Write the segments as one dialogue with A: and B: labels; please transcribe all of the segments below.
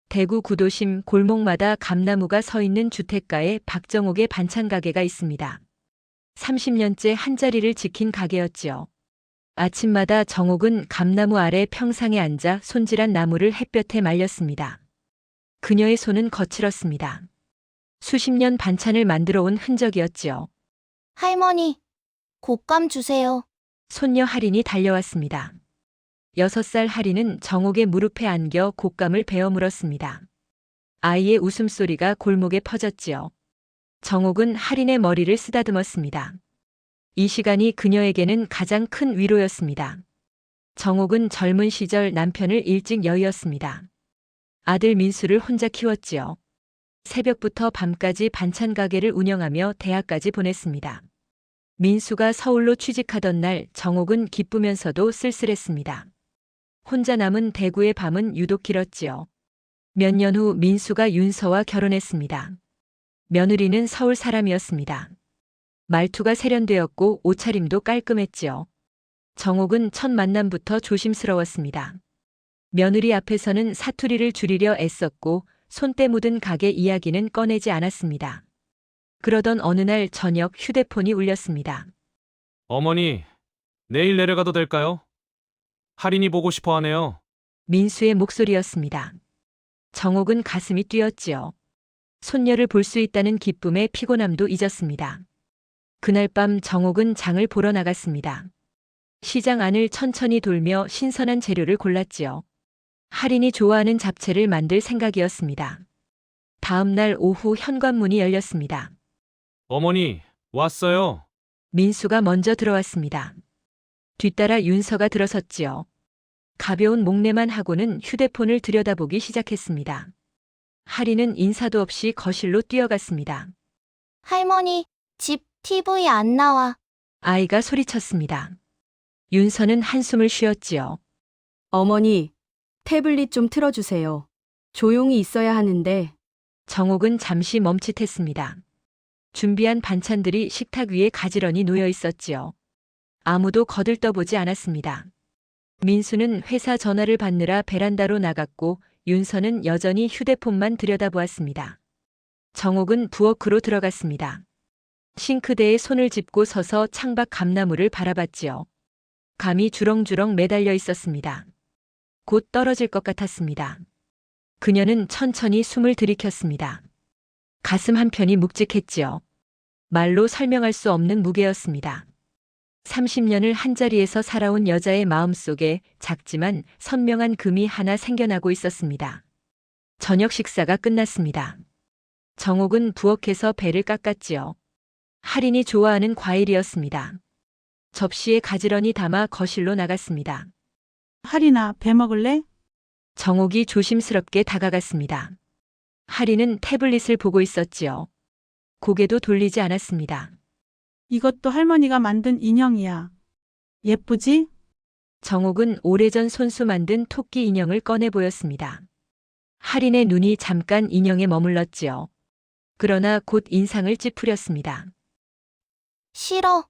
A: 대구 구도심 골목마다 감나무가 서 있는 주택가에 박정옥의 반찬 가게가 있습니다. 30년째 한자리를 지킨 가게였지요. 아침마다 정옥은 감나무 아래 평상에 앉아 손질한 나무를 햇볕에 말렸습니다. 그녀의 손은 거칠었습니다. 수십 년 반찬을 만들어 온 흔적이었지요.
B: 할머니, 곶감 주세요.
A: 손녀 할인이 달려왔습니다. 6살 할인은 정옥의 무릎에 안겨 곶감을 베어 물었습니다. 아이의 웃음소리가 골목에 퍼졌지요. 정옥은 할인의 머리를 쓰다듬었습니다. 이 시간이 그녀에게는 가장 큰 위로였습니다. 정옥은 젊은 시절 남편을 일찍 여의었습니다. 아들 민수를 혼자 키웠지요. 새벽부터 밤까지 반찬 가게를 운영하며 대학까지 보냈습니다. 민수가 서울로 취직하던 날 정옥은 기쁘면서도 쓸쓸했습니다. 혼자 남은 대구의 밤은 유독 길었지요. 몇 년 후 민수가 윤서와 결혼했습니다. 며느리는 서울 사람이었습니다. 말투가 세련되었고 옷차림도 깔끔했지요. 정옥은 첫 만남부터 조심스러웠습니다. 며느리 앞에서는 사투리를 줄이려 애썼고 손때 묻은 가게 이야기는 꺼내지 않았습니다. 그러던 어느 날 저녁 휴대폰이 울렸습니다.
C: 어머니, 내일 내려가도 될까요? 할인이 보고 싶어 하네요.
A: 민수의 목소리였습니다. 정옥은 가슴이 뛰었지요. 손녀를 볼 수 있다는 기쁨에 피곤함도 잊었습니다. 그날 밤 정옥은 장을 보러 나갔습니다. 시장 안을 천천히 돌며 신선한 재료를 골랐지요. 할인이 좋아하는 잡채를 만들 생각이었습니다. 다음 날 오후 현관문이 열렸습니다.
C: 어머니, 왔어요.
A: 민수가 먼저 들어왔습니다. 뒤따라 윤서가 들어섰지요. 가벼운 목례만 하고는 휴대폰을 들여다보기 시작했습니다. 할인은 인사도 없이 거실로 뛰어갔습니다.
B: 할머니, 집 TV 안 나와.
A: 아이가 소리쳤습니다. 윤서는 한숨을 쉬었지요.
D: 어머니, 태블릿 좀 틀어주세요. 조용히 있어야 하는데.
A: 정옥은 잠시 멈칫했습니다. 준비한 반찬들이 식탁 위에 가지런히 놓여 있었지요. 아무도 거들떠보지 않았습니다. 민수는 회사 전화를 받느라 베란다로 나갔고 윤서는 여전히 휴대폰만 들여다보았습니다. 정옥은 부엌으로 들어갔습니다. 싱크대에 손을 짚고 서서 창밖 감나무를 바라봤지요. 감이 주렁주렁 매달려 있었습니다. 곧 떨어질 것 같았습니다. 그녀는 천천히 숨을 들이켰습니다. 가슴 한편이 묵직했지요. 말로 설명할 수 없는 무게였습니다. 30년을 한자리에서 살아온 여자의 마음속에 작지만 선명한 금이 하나 생겨나고 있었습니다. 저녁 식사가 끝났습니다. 정옥은 부엌에서 배를 깎았지요. 할인이 좋아하는 과일이었습니다. 접시에 가지런히 담아 거실로 나갔습니다.
E: 할인아, 배 먹을래?
A: 정옥이 조심스럽게 다가갔습니다. 할인은 태블릿을 보고 있었지요. 고개도 돌리지 않았습니다.
E: 이것도 할머니가 만든 인형이야. 예쁘지?
A: 정옥은 오래전 손수 만든 토끼 인형을 꺼내 보였습니다. 할인의 눈이 잠깐 인형에 머물렀지요. 그러나 곧 인상을 찌푸렸습니다.
B: 싫어.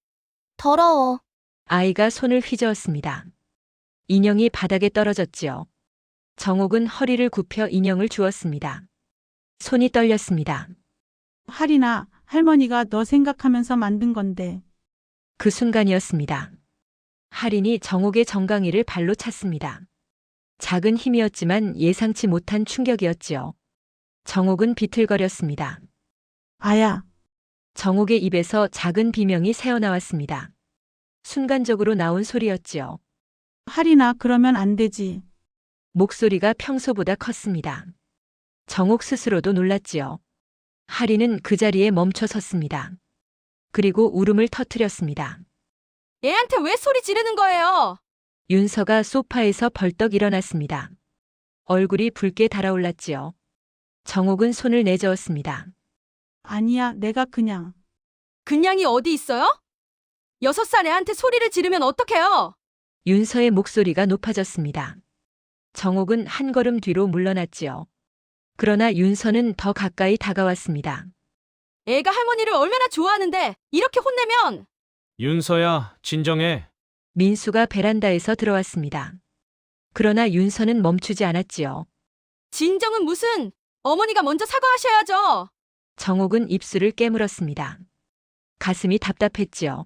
B: 더러워.
A: 아이가 손을 휘저었습니다. 인형이 바닥에 떨어졌지요. 정옥은 허리를 굽혀 인형을 주었습니다. 손이 떨렸습니다.
E: 할인아, 할머니가 너 생각하면서 만든 건데.
A: 그 순간이었습니다. 할인이 정옥의 정강이를 발로 찼습니다. 작은 힘이었지만 예상치 못한 충격이었지요. 정옥은 비틀거렸습니다.
E: 아야,
A: 정옥의 입에서 작은 비명이 새어나왔습니다. 순간적으로 나온 소리였지요.
E: 할인아, 그러면 안 되지.
A: 목소리가 평소보다 컸습니다. 정옥 스스로도 놀랐지요. 할인은 그 자리에 멈춰 섰습니다. 그리고 울음을 터뜨렸습니다.
D: 애한테 왜 소리 지르는 거예요?
A: 윤서가 소파에서 벌떡 일어났습니다. 얼굴이 붉게 달아올랐지요. 정옥은 손을 내저었습니다.
E: 아니야, 내가 그냥.
D: 그냥이 어디 있어요? 6살 애한테 소리를 지르면 어떡해요?
A: 윤서의 목소리가 높아졌습니다. 정옥은 한 걸음 뒤로 물러났지요. 그러나 윤서는 더 가까이 다가왔습니다.
D: 애가 할머니를 얼마나 좋아하는데 이렇게 혼내면.
C: 윤서야, 진정해.
A: 민수가 베란다에서 들어왔습니다. 그러나 윤서는 멈추지 않았지요.
D: 진정은 무슨? 어머니가 먼저 사과하셔야죠.
A: 정옥은 입술을 깨물었습니다. 가슴이 답답했지요.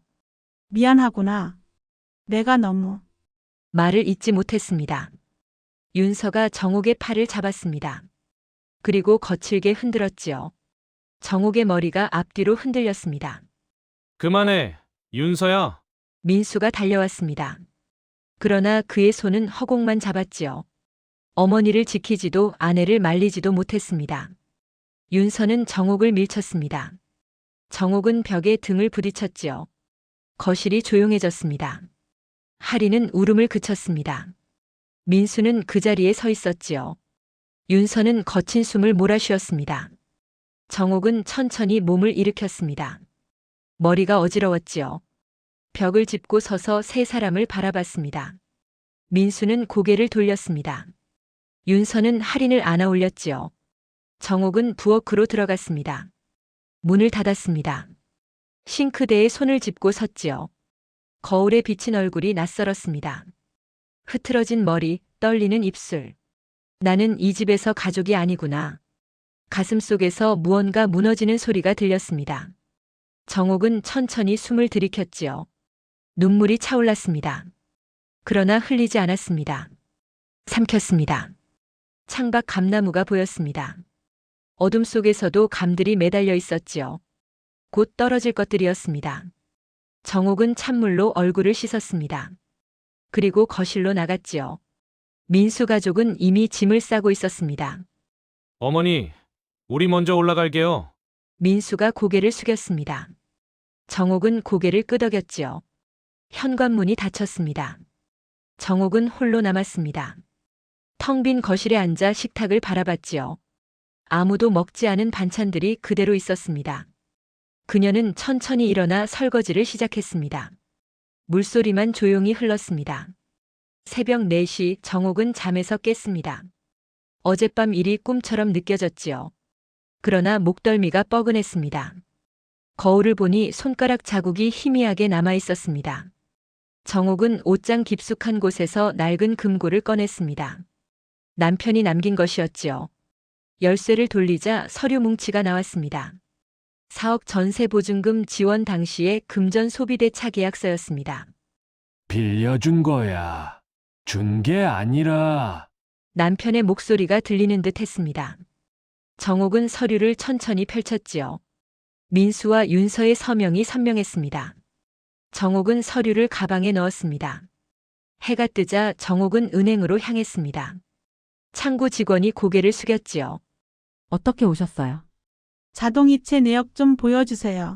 E: 미안하구나. 내가 너무.
A: 말을 잇지 못했습니다. 윤서가 정옥의 팔을 잡았습니다. 그리고 거칠게 흔들었지요. 정옥의 머리가 앞뒤로 흔들렸습니다.
C: 그만해, 윤서야.
A: 민수가 달려왔습니다. 그러나 그의 손은 허공만 잡았지요. 어머니를 지키지도 아내를 말리지도 못했습니다. 윤서는 정옥을 밀쳤습니다. 정옥은 벽에 등을 부딪혔지요. 거실이 조용해졌습니다. 하리는 울음을 그쳤습니다. 민수는 그 자리에 서 있었지요. 윤서는 거친 숨을 몰아쉬었습니다. 정옥은 천천히 몸을 일으켰습니다. 머리가 어지러웠지요. 벽을 짚고 서서 세 사람을 바라봤습니다. 민수는 고개를 돌렸습니다. 윤서는 할인을 안아 올렸지요. 정옥은 부엌으로 들어갔습니다. 문을 닫았습니다. 싱크대에 손을 짚고 섰지요. 거울에 비친 얼굴이 낯설었습니다. 흐트러진 머리, 떨리는 입술. 나는 이 집에서 가족이 아니구나. 가슴속에서 무언가 무너지는 소리가 들렸습니다. 정옥은 천천히 숨을 들이켰지요. 눈물이 차올랐습니다. 그러나 흘리지 않았습니다. 삼켰습니다. 창밖 감나무가 보였습니다. 어둠 속에서도 감들이 매달려 있었지요. 곧 떨어질 것들이었습니다. 정옥은 찬물로 얼굴을 씻었습니다. 그리고 거실로 나갔지요. 민수 가족은 이미 짐을 싸고 있었습니다.
C: 어머니, 우리 먼저 올라갈게요.
A: 민수가 고개를 숙였습니다. 정옥은 고개를 끄덕였지요. 현관문이 닫혔습니다. 정옥은 홀로 남았습니다. 텅 빈 거실에 앉아 식탁을 바라봤지요. 아무도 먹지 않은 반찬들이 그대로 있었습니다. 그녀는 천천히 일어나 설거지를 시작했습니다. 물소리만 조용히 흘렀습니다. 새벽 4시 정옥은 잠에서 깼습니다. 어젯밤 일이 꿈처럼 느껴졌지요. 그러나 목덜미가 뻐근했습니다. 거울을 보니 손가락 자국이 희미하게 남아 있었습니다. 정옥은 옷장 깊숙한 곳에서 낡은 금고를 꺼냈습니다. 남편이 남긴 것이었지요. 열쇠를 돌리자 서류 뭉치가 나왔습니다. 4억 전세 보증금 지원 당시의 금전 소비대 차계약서였습니다.
F: 빌려준 거야. 준 게 아니라.
A: 남편의 목소리가 들리는 듯 했습니다. 정옥은 서류를 천천히 펼쳤지요. 민수와 윤서의 서명이 선명했습니다. 정옥은 서류를 가방에 넣었습니다. 해가 뜨자 정옥은 은행으로 향했습니다. 창구 직원이 고개를 숙였지요.
G: 어떻게 오셨어요?
E: 자동이체 내역 좀 보여주세요.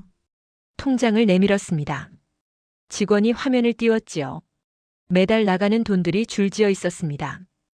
A: 통장을 내밀었습니다. 직원이 화면을 띄웠지요. 매달 나가는 돈들이 줄지어 있었습니다.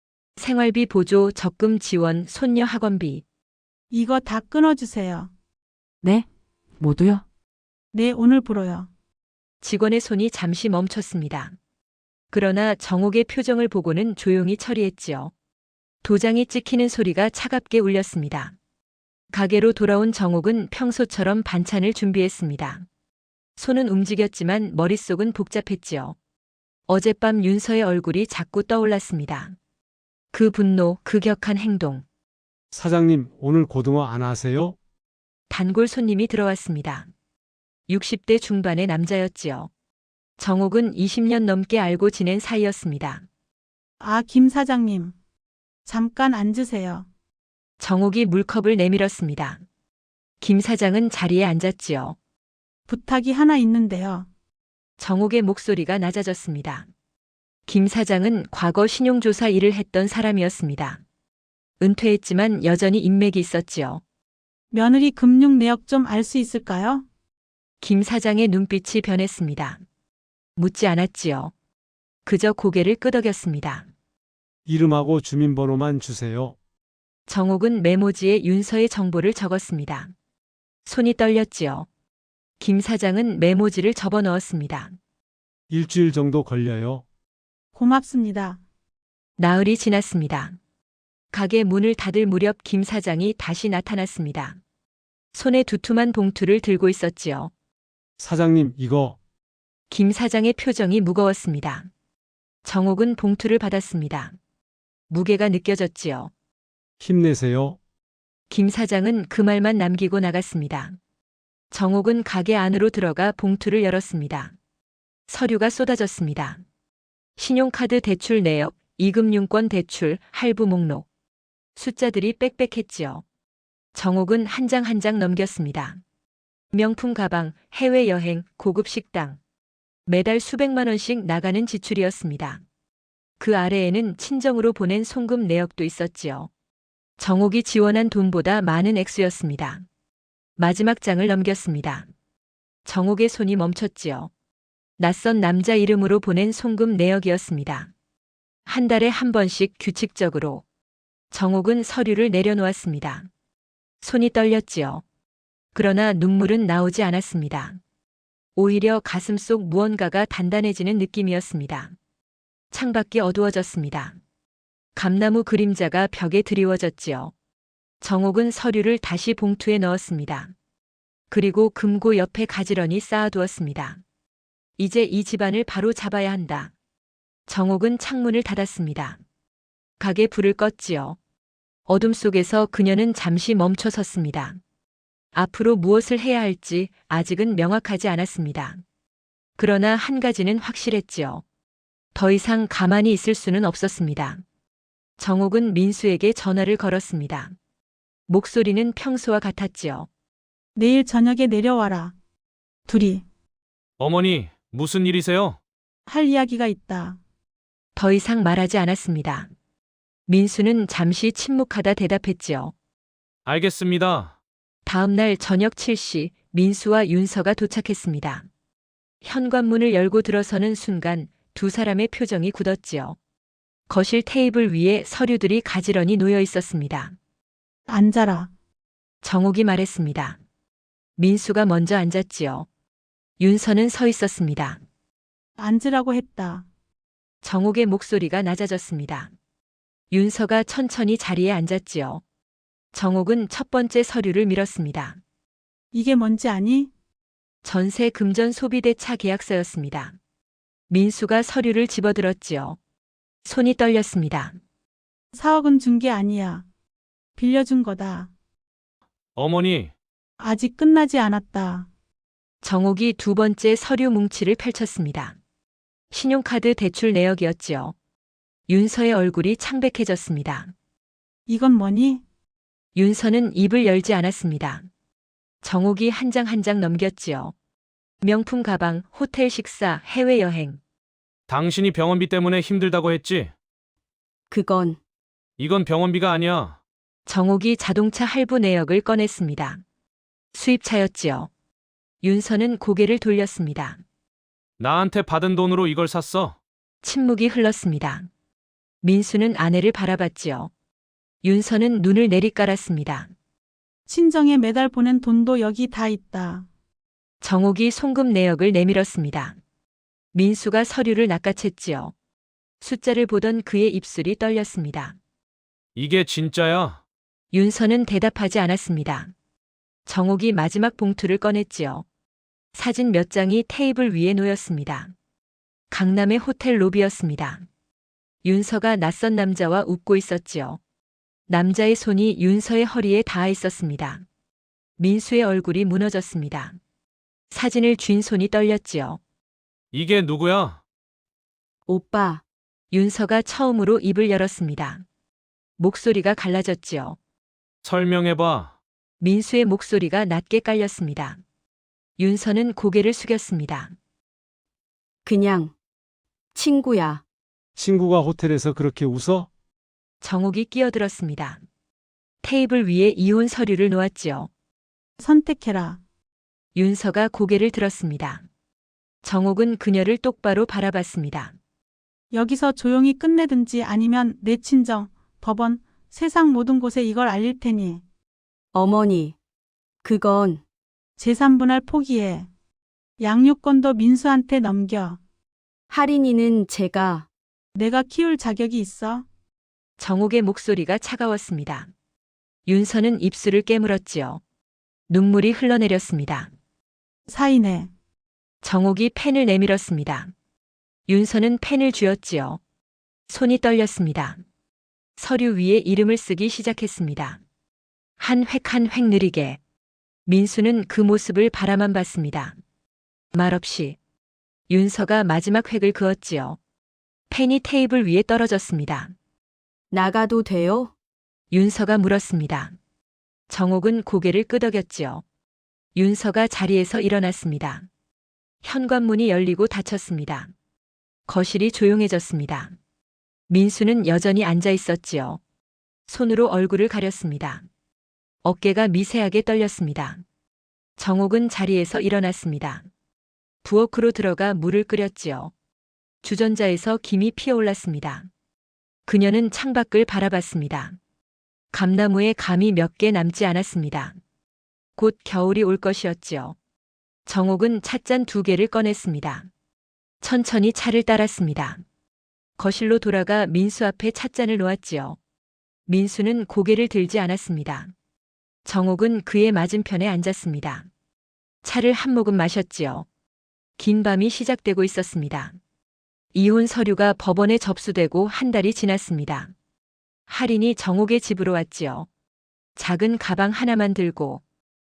A: 생활비 보조, 적금 지원, 손녀 학원비.
E: 이거 다 끊어주세요.
G: 네? 모두요?
E: 네, 오늘부로요.
A: 직원의 손이 잠시 멈췄습니다. 그러나 정옥의 표정을 보고는 조용히 처리했지요. 도장이 찍히는 소리가 차갑게 울렸습니다. 가게로 돌아온 정옥은 평소처럼 반찬을 준비했습니다. 손은 움직였지만 머릿속은 복잡했지요. 어젯밤 윤서의 얼굴이 자꾸 떠올랐습니다. 그 분노, 그 격한 행동.
H: 사장님, 오늘 고등어 안 하세요?
A: 단골 손님이 들어왔습니다. 60대 중반의 남자였지요. 정옥은 20년 넘게 알고 지낸 사이였습니다.
E: 아, 김 사장님. 잠깐 앉으세요.
A: 정옥이 물컵을 내밀었습니다. 김 사장은 자리에 앉았지요.
E: 부탁이 하나 있는데요.
A: 정옥의 목소리가 낮아졌습니다. 김 사장은 과거 신용조사 일을 했던 사람이었습니다. 은퇴했지만 여전히 인맥이 있었지요.
E: 며느리 금융 내역 좀 알 수 있을까요?
A: 김 사장의 눈빛이 변했습니다. 묻지 않았지요. 그저 고개를 끄덕였습니다.
H: 이름하고 주민번호만 주세요.
A: 정옥은 메모지에 윤서의 정보를 적었습니다. 손이 떨렸지요. 김 사장은 메모지를 접어 넣었습니다.
H: 일주일 정도 걸려요.
E: 고맙습니다.
A: 나흘이 지났습니다. 가게 문을 닫을 무렵 김 사장이 다시 나타났습니다. 손에 두툼한 봉투를 들고 있었지요.
H: 사장님, 이거
A: 김 사장의 표정이 무거웠습니다. 정옥은 봉투를 받았습니다. 무게가 느껴졌지요.
H: 힘내세요.
A: 김 사장은 그 말만 남기고 나갔습니다. 정옥은 가게 안으로 들어가 봉투를 열었습니다. 서류가 쏟아졌습니다. 신용카드 대출 내역, 이금융권 대출, 할부 목록. 숫자들이 빽빽했지요. 정옥은 한 장 한 장 넘겼습니다. 명품 가방, 해외여행, 고급 식당. 매달 수백만 원씩 나가는 지출이었습니다. 그 아래에는 친정으로 보낸 송금 내역도 있었지요. 정옥이 지원한 돈보다 많은 액수였습니다. 마지막 장을 넘겼습니다. 정옥의 손이 멈췄지요. 낯선 남자 이름으로 보낸 송금 내역이었습니다. 한 달에 한 번씩 규칙적으로. 정옥은 서류를 내려놓았습니다. 손이 떨렸지요. 그러나 눈물은 나오지 않았습니다. 오히려 가슴속 무언가가 단단해지는 느낌이었습니다. 창밖이 어두워졌습니다. 감나무 그림자가 벽에 드리워졌지요. 정옥은 서류를 다시 봉투에 넣었습니다. 그리고 금고 옆에 가지런히 쌓아두었습니다. 이제 이 집안을 바로 잡아야 한다. 정옥은 창문을 닫았습니다. 가게 불을 껐지요. 어둠 속에서 그녀는 잠시 멈춰 섰습니다. 앞으로 무엇을 해야 할지 아직은 명확하지 않았습니다. 그러나 한 가지는 확실했지요. 더 이상 가만히 있을 수는 없었습니다. 정옥은 민수에게 전화를 걸었습니다. 목소리는 평소와 같았지요.
E: 내일 저녁에 내려와라. 둘이
C: 어머니, 무슨 일이세요?
E: 할 이야기가 있다.
A: 더 이상 말하지 않았습니다. 민수는 잠시 침묵하다 대답했지요.
C: 알겠습니다.
A: 다음 날 저녁 7시 민수와 윤서가 도착했습니다. 현관문을 열고 들어서는 순간 두 사람의 표정이 굳었지요. 거실 테이블 위에 서류들이 가지런히 놓여 있었습니다.
E: 앉아라.
A: 정옥이 말했습니다. 민수가 먼저 앉았지요. 윤서는 서 있었습니다.
E: 앉으라고 했다.
A: 정옥의 목소리가 낮아졌습니다. 윤서가 천천히 자리에 앉았지요. 정옥은 첫 번째 서류를 밀었습니다.
E: 이게 뭔지 아니?
A: 전세 금전 소비대차 계약서였습니다. 민수가 서류를 집어들었지요. 손이 떨렸습니다.
E: 4억은 준 게 아니야. 빌려준 거다.
C: 어머니,
E: 아직 끝나지 않았다.
A: 정옥이 두 번째 서류 뭉치를 펼쳤습니다. 신용카드 대출 내역이었지요. 윤서의 얼굴이 창백해졌습니다.
E: 이건 뭐니?
A: 윤서는 입을 열지 않았습니다. 정옥이 한 장 한 장 넘겼지요. 명품 가방, 호텔 식사, 해외여행.
C: 당신이 병원비 때문에 힘들다고 했지?
D: 그건
C: 이건 병원비가 아니야.
A: 정옥이 자동차 할부 내역을 꺼냈습니다. 수입차였지요. 윤서는 고개를 돌렸습니다.
C: 나한테 받은 돈으로 이걸 샀어.
A: 침묵이 흘렀습니다. 민수는 아내를 바라봤지요. 윤서는 눈을 내리깔았습니다.
E: 친정에 매달 보낸 돈도 여기 다 있다.
A: 정옥이 송금 내역을 내밀었습니다. 민수가 서류를 낚아챘지요. 숫자를 보던 그의 입술이 떨렸습니다.
C: 이게 진짜야?
A: 윤서는 대답하지 않았습니다. 정옥이 마지막 봉투를 꺼냈지요. 사진 몇 장이 테이블 위에 놓였습니다. 강남의 호텔 로비였습니다. 윤서가 낯선 남자와 웃고 있었지요. 남자의 손이 윤서의 허리에 닿아 있었습니다. 민수의 얼굴이 무너졌습니다. 사진을 쥔 손이 떨렸지요.
C: 이게 누구야?
D: 오빠,
A: 윤서가 처음으로 입을 열었습니다. 목소리가 갈라졌지요.
C: 설명해봐.
A: 민수의 목소리가 낮게 깔렸습니다. 윤서는 고개를 숙였습니다.
D: 그냥 친구야.
H: 친구가 호텔에서 그렇게 웃어?
A: 정옥이 끼어들었습니다. 테이블 위에 이혼 서류를 놓았지요.
E: 선택해라.
A: 윤서가 고개를 들었습니다. 정옥은 그녀를 똑바로 바라봤습니다.
E: 여기서 조용히 끝내든지 아니면 내 친정, 법원, 세상 모든 곳에 이걸 알릴 테니
D: 어머니, 그건
E: 재산분할 포기해. 양육권도 민수한테 넘겨.
D: 할인이는 제가
E: 내가 키울 자격이 있어?
A: 정옥의 목소리가 차가웠습니다. 윤서는 입술을 깨물었지요. 눈물이 흘러내렸습니다.
E: 사인해.
A: 정옥이 펜을 내밀었습니다. 윤서는 펜을 쥐었지요. 손이 떨렸습니다. 서류 위에 이름을 쓰기 시작했습니다. 한 획 한 획 느리게. 민수는 그 모습을 바라만 봤습니다. 말없이. 윤서가 마지막 획을 그었지요. 펜이 테이블 위에 떨어졌습니다.
D: 나가도 돼요?
A: 윤서가 물었습니다. 정옥은 고개를 끄덕였지요. 윤서가 자리에서 일어났습니다. 현관문이 열리고 닫혔습니다. 거실이 조용해졌습니다. 민수는 여전히 앉아 있었지요. 손으로 얼굴을 가렸습니다. 어깨가 미세하게 떨렸습니다. 정옥은 자리에서 일어났습니다. 부엌으로 들어가 물을 끓였지요. 주전자에서 김이 피어올랐습니다. 그녀는 창밖을 바라봤습니다. 감나무에 감이 몇 개 남지 않았습니다. 곧 겨울이 올 것이었지요. 정옥은 찻잔 2개를 꺼냈습니다. 천천히 차를 따랐습니다. 거실로 돌아가 민수 앞에 찻잔을 놓았지요. 민수는 고개를 들지 않았습니다. 정옥은 그의 맞은편에 앉았습니다. 차를 한 모금 마셨지요. 긴 밤이 시작되고 있었습니다. 이혼 서류가 법원에 접수되고 한 달이 지났습니다. 할인이 정옥의 집으로 왔지요. 작은 가방 하나만 들고.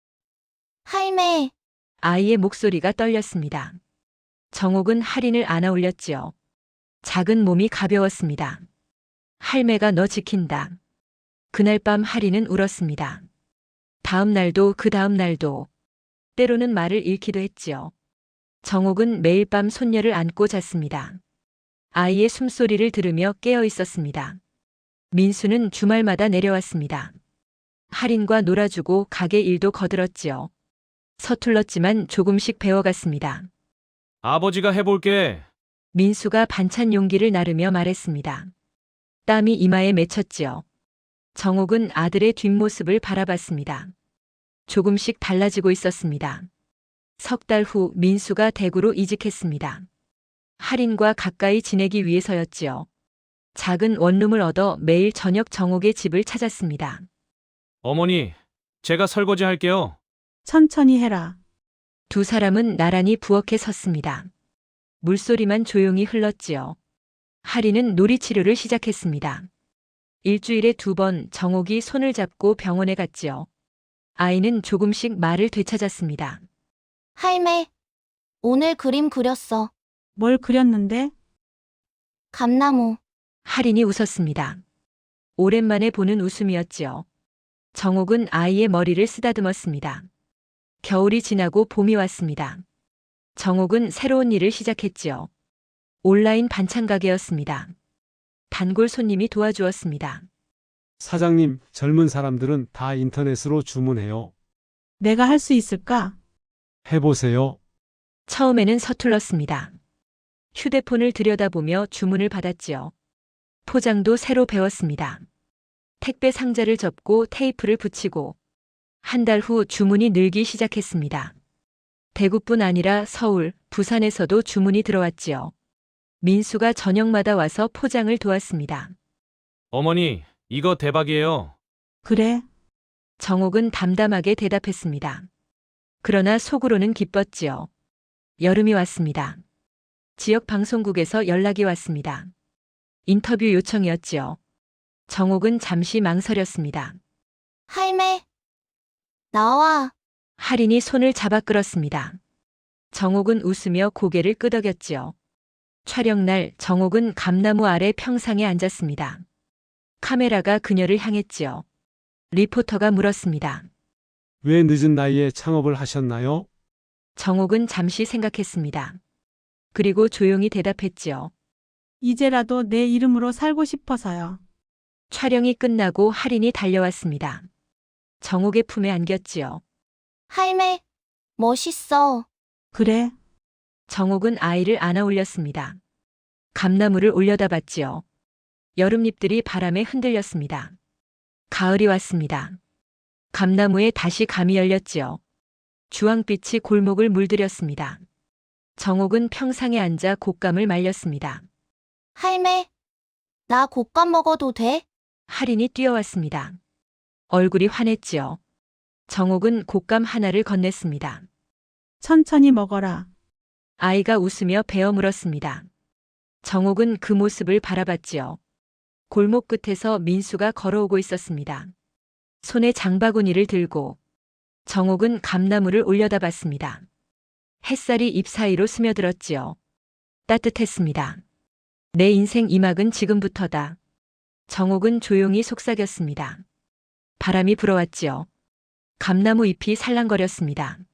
B: 할매,
A: 아이의 목소리가 떨렸습니다. 정옥은 할인을 안아 올렸지요. 작은 몸이 가벼웠습니다. 할매가 너 지킨다. 그날 밤 할인은 울었습니다. 다음 날도 그 다음 날도. 때로는 말을 잃기도 했지요. 정옥은 매일 밤 손녀를 안고 잤습니다. 아이의 숨소리를 들으며 깨어 있었습니다. 민수는 주말마다 내려왔습니다. 할인과 놀아주고 가게 일도 거들었지요. 서툴렀지만 조금씩 배워갔습니다.
C: 아버지가 해볼게.
A: 민수가 반찬 용기를 나르며 말했습니다. 땀이 이마에 맺혔지요. 정옥은 아들의 뒷모습을 바라봤습니다. 조금씩 달라지고 있었습니다. 석 달 후 민수가 대구로 이직했습니다. 할인과 가까이 지내기 위해서였지요. 작은 원룸을 얻어 매일 저녁 정옥의 집을 찾았습니다.
C: 어머니, 제가 설거지 할게요.
E: 천천히 해라.
A: 두 사람은 나란히 부엌에 섰습니다. 물소리만 조용히 흘렀지요. 할인은 놀이치료를 시작했습니다. 일주일에 2번 정옥이 손을 잡고 병원에 갔지요. 아이는 조금씩 말을 되찾았습니다.
B: 할매, 오늘 그림 그렸어.
E: 뭘 그렸는데?
B: 감나무.
A: 할인이 웃었습니다. 오랜만에 보는 웃음이었지요. 정옥은 아이의 머리를 쓰다듬었습니다. 겨울이 지나고 봄이 왔습니다. 정옥은 새로운 일을 시작했지요. 온라인 반찬 가게였습니다. 단골 손님이 도와주었습니다.
H: 사장님, 젊은 사람들은 다 인터넷으로 주문해요.
E: 내가 할 수 있을까?
H: 해보세요.
A: 처음에는 서툴렀습니다. 휴대폰을 들여다보며 주문을 받았지요. 포장도 새로 배웠습니다. 택배 상자를 접고 테이프를 붙이고 한 달 후 주문이 늘기 시작했습니다. 대구뿐 아니라 서울, 부산에서도 주문이 들어왔지요. 민수가 저녁마다 와서 포장을 도왔습니다.
C: 어머니, 이거 대박이에요.
E: 그래.
A: 정옥은 담담하게 대답했습니다. 그러나 속으로는 기뻤지요. 여름이 왔습니다. 지역 방송국에서 연락이 왔습니다. 인터뷰 요청이었지요. 정옥은 잠시 망설였습니다.
B: 할매, 나와.
A: 할인이 손을 잡아 끌었습니다. 정옥은 웃으며 고개를 끄덕였지요. 촬영날 정옥은 감나무 아래 평상에 앉았습니다. 카메라가 그녀를 향했지요. 리포터가 물었습니다.
H: 왜 늦은 나이에 창업을 하셨나요?
A: 정옥은 잠시 생각했습니다. 그리고 조용히 대답했지요.
E: 이제라도 내 이름으로 살고 싶어서요.
A: 촬영이 끝나고 할인이 달려왔습니다. 정옥의 품에 안겼지요.
B: 할매, 멋있어.
E: 그래.
A: 정옥은 아이를 안아 올렸습니다. 감나무를 올려다봤지요. 여름잎들이 바람에 흔들렸습니다. 가을이 왔습니다. 감나무에 다시 감이 열렸지요. 주황빛이 골목을 물들였습니다. 정옥은 평상에 앉아 곶감을 말렸습니다.
B: 할매, 나 곶감 먹어도 돼?
A: 할인이 뛰어왔습니다. 얼굴이 환했지요. 정옥은 곶감 하나를 건넸습니다.
E: 천천히 먹어라.
A: 아이가 웃으며 베어 물었습니다. 정옥은 그 모습을 바라봤지요. 골목 끝에서 민수가 걸어오고 있었습니다. 손에 장바구니를 들고 정옥은 감나무를 올려다봤습니다. 햇살이 잎 사이로 스며들었지요. 따뜻했습니다. 내 인생 이막은 지금부터다. 정옥은 조용히 속삭였습니다. 바람이 불어왔지요. 감나무 잎이 살랑거렸습니다.